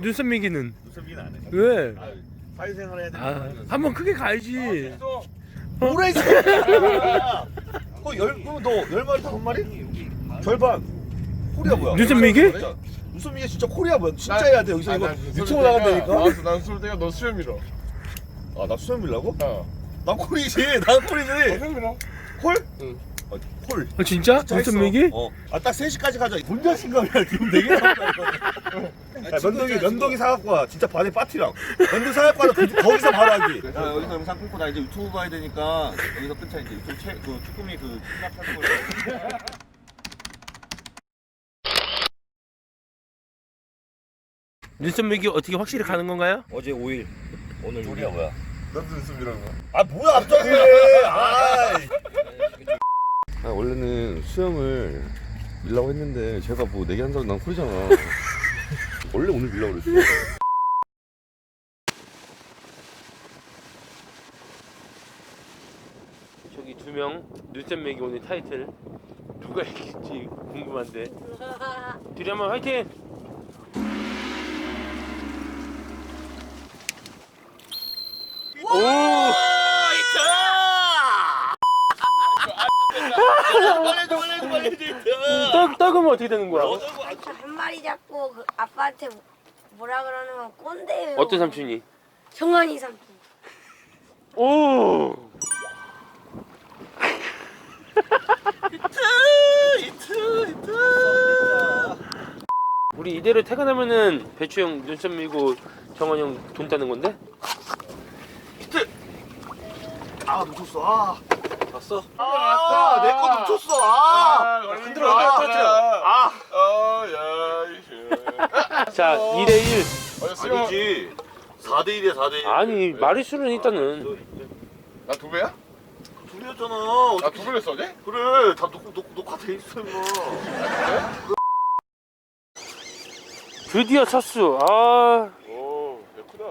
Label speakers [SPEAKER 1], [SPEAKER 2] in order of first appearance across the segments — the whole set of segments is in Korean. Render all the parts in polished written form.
[SPEAKER 1] 눈썹 미기는
[SPEAKER 2] 눈썹이는 안 해.
[SPEAKER 1] 왜?
[SPEAKER 2] 사회생활 해야 돼.
[SPEAKER 1] 한번 크게 가야지.
[SPEAKER 2] 뭐래 이 새끼야. 너 10마리 5마리? 절반. 코리아 뭐야?
[SPEAKER 1] 눈썹 미기?
[SPEAKER 2] 눈썹 미기 진짜 코리아 뭐야? 진짜 해야 돼. 여기서 이거 유튜브 나간다니까.
[SPEAKER 3] 난 수술 때가 너 수염 밀어.
[SPEAKER 2] 아, 나 수염 밀라고?
[SPEAKER 3] 어.
[SPEAKER 2] 난 콜이지. 난 콜이지.
[SPEAKER 3] 수염 밀어.
[SPEAKER 2] 콜?
[SPEAKER 3] 응.
[SPEAKER 2] 콜.
[SPEAKER 1] 진짜?
[SPEAKER 2] 진짜
[SPEAKER 1] 눈썹
[SPEAKER 2] 했어.
[SPEAKER 1] 미기?
[SPEAKER 2] 아, 딱 3시까지 가자. 혼자 신감이야. 지금 4개 남았다 이거. 면도기 사갖고 와. 진짜 반에 파티랑. 면도 사갖고 와서 거기서 바로 하기.
[SPEAKER 4] 야, 여기서 영상 끊고 나 이제 유튜브 봐야 되니까 여기서 끊자. 이제 유튜브 그 쭈꾸미 그 시작하는 걸.
[SPEAKER 1] 눈썹 미기 어떻게 확실히 가는 건가요?
[SPEAKER 4] 어제 5일 오늘
[SPEAKER 2] 우리가 뭐야?
[SPEAKER 3] 나도 눈썹 밀어.
[SPEAKER 2] 아, 뭐야 갑자기. 아이.
[SPEAKER 5] 원래는 수염을 밀라고 했는데 제가 뭐 내기한다고 난 쿨이잖아. 원래 오늘 밀라고 그랬어.
[SPEAKER 1] 저기 2명 눈썹 미기 오늘 타이틀 누가 이길지 궁금한데. 둘이 한번 화이팅! 오! 떡으면 어떻게 되는 거야?
[SPEAKER 6] 한 마리 잡고 그 아빠한테 뭐라 그러는 꼰대예요.
[SPEAKER 1] 어떤 삼촌이?
[SPEAKER 6] 정환이 삼촌.
[SPEAKER 1] 오! 우리 이대로 퇴근하면은 배추 형 눈썹 밀고 정원 형 돈 따는 건데?
[SPEAKER 2] 아, 놓쳤어. 아.
[SPEAKER 4] 봤어?
[SPEAKER 2] 아, 내 거 놓쳤어. 아.
[SPEAKER 3] 흔들어.
[SPEAKER 2] 아.
[SPEAKER 3] 야.
[SPEAKER 1] 자, 2대1.
[SPEAKER 2] 아니지. 4대1이야, 4대1.
[SPEAKER 1] 아니, 마리수는 일단은.
[SPEAKER 3] 나두 배야?
[SPEAKER 2] 둘이었잖아.
[SPEAKER 3] 나두 배를 써지?
[SPEAKER 2] 그래, 다 녹화돼 있어, 임마.
[SPEAKER 1] 드디어 쳤수. 아,
[SPEAKER 3] 오, 예쁘다.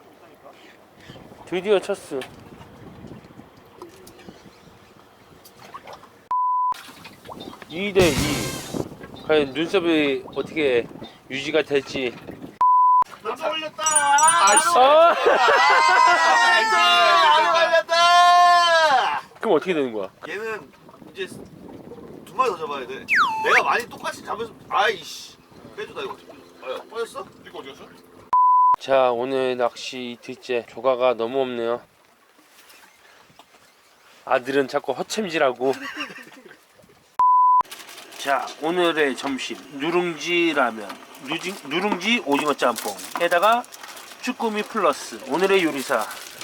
[SPEAKER 1] 드디어 쳤수. (2 대 2) 과연 눈썹이 어떻게 유지가 될지.
[SPEAKER 2] 나도 올렸다.
[SPEAKER 1] 어?
[SPEAKER 2] 나도 올렸다.
[SPEAKER 1] 그럼 어떻게 되는 거야?
[SPEAKER 2] 얘는 이제 2마리 더 잡아야 돼. 내가 많이 똑같이 잡아서 아이씨 빼주다 이거. 아, 빠졌어?
[SPEAKER 3] 이거 어디였어?
[SPEAKER 1] 자, 오늘 낚시 이틀째 조가가 너무 없네요. 아들은 자꾸 허챔질하고. 자, 오늘의 점심 누룽지 라면, 누룽지 오징어 짬뽕에다가 쭈꾸미 플러스 오늘의 요리사.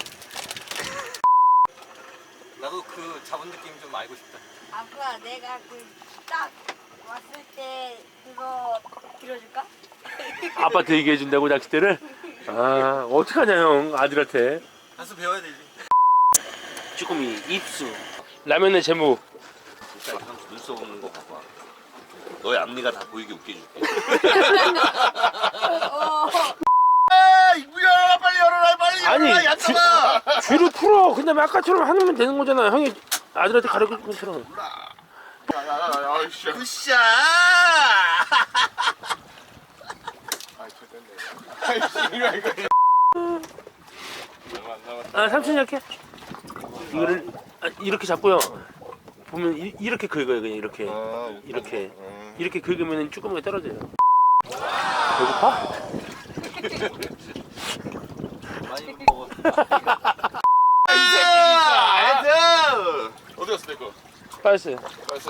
[SPEAKER 4] 나도 그 잡은 느낌 좀 알고 싶다.
[SPEAKER 6] 아빠 내가 그 딱 왔을 때 그거 들어줄까?
[SPEAKER 1] 아빠한테 얘기해 준다고 낚싯대를? 아, 어떡하냐 형 아들한테.
[SPEAKER 4] 한수 배워야 되지.
[SPEAKER 1] 쭈꾸미 입수. 라면의 제목.
[SPEAKER 2] 진짜 형 눈썹 없는 거 봐봐. 너의 앞니가 다 보이게 웃겨줄게. 열어라 빨리 열어라 빨리
[SPEAKER 1] 아니,
[SPEAKER 2] 열어라 얕잖아.
[SPEAKER 1] 귀를 풀어. 근데 아까처럼 하면 되는 거잖아. 형이 아들한테 가르친 것처럼.
[SPEAKER 3] 야야야야, 씨.
[SPEAKER 2] 으쌰.
[SPEAKER 3] 아이씨, 이거. 얼마 안 남았다.
[SPEAKER 1] 아, 삼촌이 이렇게. 이거를 이렇게 잡고요. 보면 이렇게 긁어요. 그냥 이렇게. 이렇게. 이렇게 긁으면 쭈꾸미가 떨어져요. 배고파?
[SPEAKER 4] 많이 먹어.
[SPEAKER 2] 이 새끼 애들.
[SPEAKER 3] 어디 갔어 내 거?
[SPEAKER 1] 빠졌어요.
[SPEAKER 3] 알았어.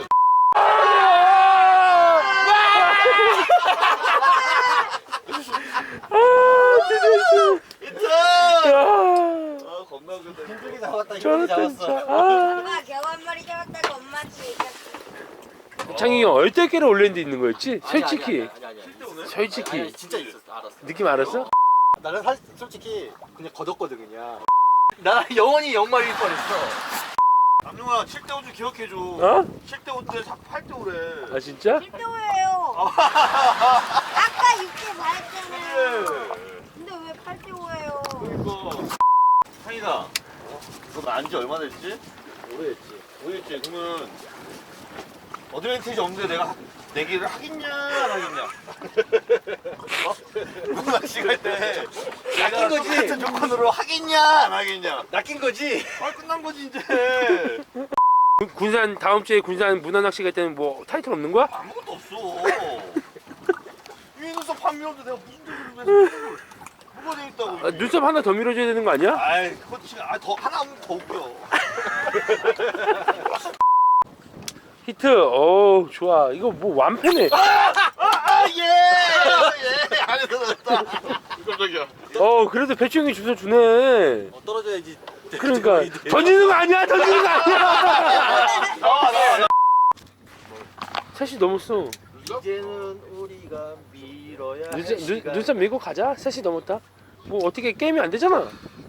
[SPEAKER 2] 아 겁나 웃긴다.
[SPEAKER 4] 힘들게 잡았다.
[SPEAKER 1] 저는
[SPEAKER 4] 힘들게 잡았어.
[SPEAKER 1] 진짜. 아.
[SPEAKER 6] 엄마 겨우 한 마리 잡았다고 엄마한테 얘기했어.
[SPEAKER 1] 창희 형 얼떨결에 올린 데 있는 거였지? 솔직히.
[SPEAKER 4] 아니.
[SPEAKER 1] 솔직히.
[SPEAKER 4] 아니, 진짜 있었어. 알았어.
[SPEAKER 1] 느낌 알았어?
[SPEAKER 4] 나는 사실 솔직히 그냥 걷었거든 그냥. 나 영원히 영말일 뻔했어.
[SPEAKER 2] 남룡아 7대 5좀 기억해줘.
[SPEAKER 1] 어?
[SPEAKER 2] 7대 5대 8대 5래.
[SPEAKER 1] 아, 진짜?
[SPEAKER 6] 7대5예요. 아까 6대 말했잖아요. 근데 왜 8대5예요?
[SPEAKER 2] 그러니까 상이가 너 안지 얼마 됐지?
[SPEAKER 4] 오래됐지.
[SPEAKER 2] 오래됐지. 그러면 어드밴티지 없는데 내가 내기를 하겠냐 안 하겠냐. 낚시 갈때
[SPEAKER 1] 낚인 거지?
[SPEAKER 2] 같은 조건으로 하겠냐 안 하겠냐.
[SPEAKER 1] 낚인 거지?
[SPEAKER 2] 아 끝난 거지 이제.
[SPEAKER 1] 군산 다음 주에 군산 문화 낚시 갈 때는 뭐 타이틀 없는 거야?
[SPEAKER 2] 아무것도 없어. 이 눈썹 한 밀어도 내가 무슨 소리를 해서 뭐가 돼 있다고.
[SPEAKER 1] 아, 눈썹 하나 더 밀어줘야 되는 거 아니야?
[SPEAKER 2] 아이 그거 지금 더 하나 하면 더 웃겨.
[SPEAKER 1] 히트. 어 좋아. 이거 뭐 완패네.
[SPEAKER 2] 예. 안에서 넣었다.
[SPEAKER 3] 깜짝이야.
[SPEAKER 1] 어 그래도 배추 형이 주소 주네.
[SPEAKER 4] 떨어져야지.
[SPEAKER 1] 그러니까 던지는 거 아니야. 던지는 거 아니야.
[SPEAKER 2] 나와.
[SPEAKER 1] 셋이 넘었어.
[SPEAKER 4] 이제는 우리가 밀어야 할
[SPEAKER 1] 눈썹 밀고 가자. 셋이 넘었다. 뭐 어떻게 게임이 안 되잖아.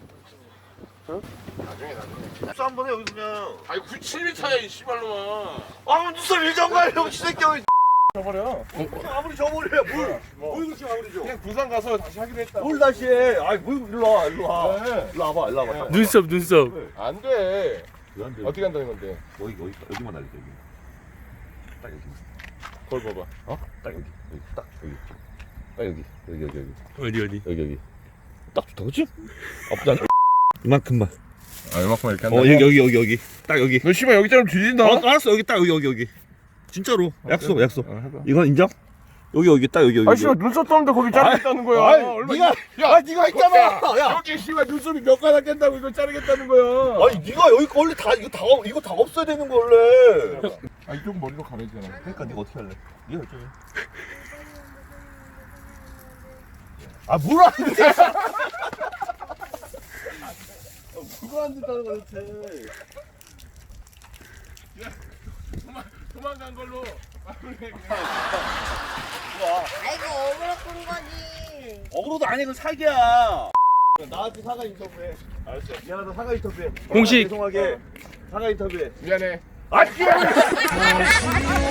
[SPEAKER 2] 눈썹 한번 해 여기 그냥.
[SPEAKER 3] 아이 97m야 이 씨발놈아.
[SPEAKER 2] 아 눈썹 일정 가려고 시새끼야.
[SPEAKER 3] 저버려.
[SPEAKER 2] 아무리 저버려 뭘 그렇게 아무리 줘.
[SPEAKER 3] 그냥 부산 가서 다시 하기로 했다.
[SPEAKER 2] 뭘 다시 해. 아이 뭐 일로 와. 일로 와봐.
[SPEAKER 1] 눈썹.
[SPEAKER 3] 안 돼.
[SPEAKER 5] 왜안 돼?
[SPEAKER 3] 어떻게 한다는 건데?
[SPEAKER 5] 여기만 날릴게 여기. 딱 여기.
[SPEAKER 3] 그걸 봐봐.
[SPEAKER 5] 어? 딱 여기. 딱 여기. 딱 여기.
[SPEAKER 1] 어디.
[SPEAKER 5] 딱 좋다 그치? 아프지 않아? 이만큼만.
[SPEAKER 3] 아 이만큼 이렇게 한다.
[SPEAKER 5] 여기. 딱 여기.
[SPEAKER 3] 너 씨발 여기처럼 뒤진다.
[SPEAKER 5] 알았어 여기 딱 여기. 진짜로. 약속.
[SPEAKER 3] 해봐.
[SPEAKER 5] 이건 인정? 여기 딱 여기.
[SPEAKER 3] 아 씨발 눈썹 떠는데 거기 자르겠다는 거야.
[SPEAKER 2] 네가 네가 했잖아. 야.
[SPEAKER 3] 여기 씨발 눈썹이 몇 가닥 깬다고 이걸 자르겠다는 거야.
[SPEAKER 2] 아니 네가 여기 원래 다 이거 다 없어야 되는 거 원래.
[SPEAKER 3] 아 이쪽 머리로 가려야 되잖아.
[SPEAKER 2] 그러니까 네가 어떻게 할래? 네가 결정해. 아 뭘 하는데?
[SPEAKER 3] 그거 안 된다는 거 대체. 도망간 걸로.
[SPEAKER 6] 아이고 어그로 끈 거지.
[SPEAKER 2] 어그로도 아니고 사기야. 나한테 사과 인터뷰해. 알았어. 미안하다 사과 인터뷰해.
[SPEAKER 1] 공식.
[SPEAKER 2] 죄송하게 사과 인터뷰해.
[SPEAKER 3] 미안해.
[SPEAKER 2] 아 씨발.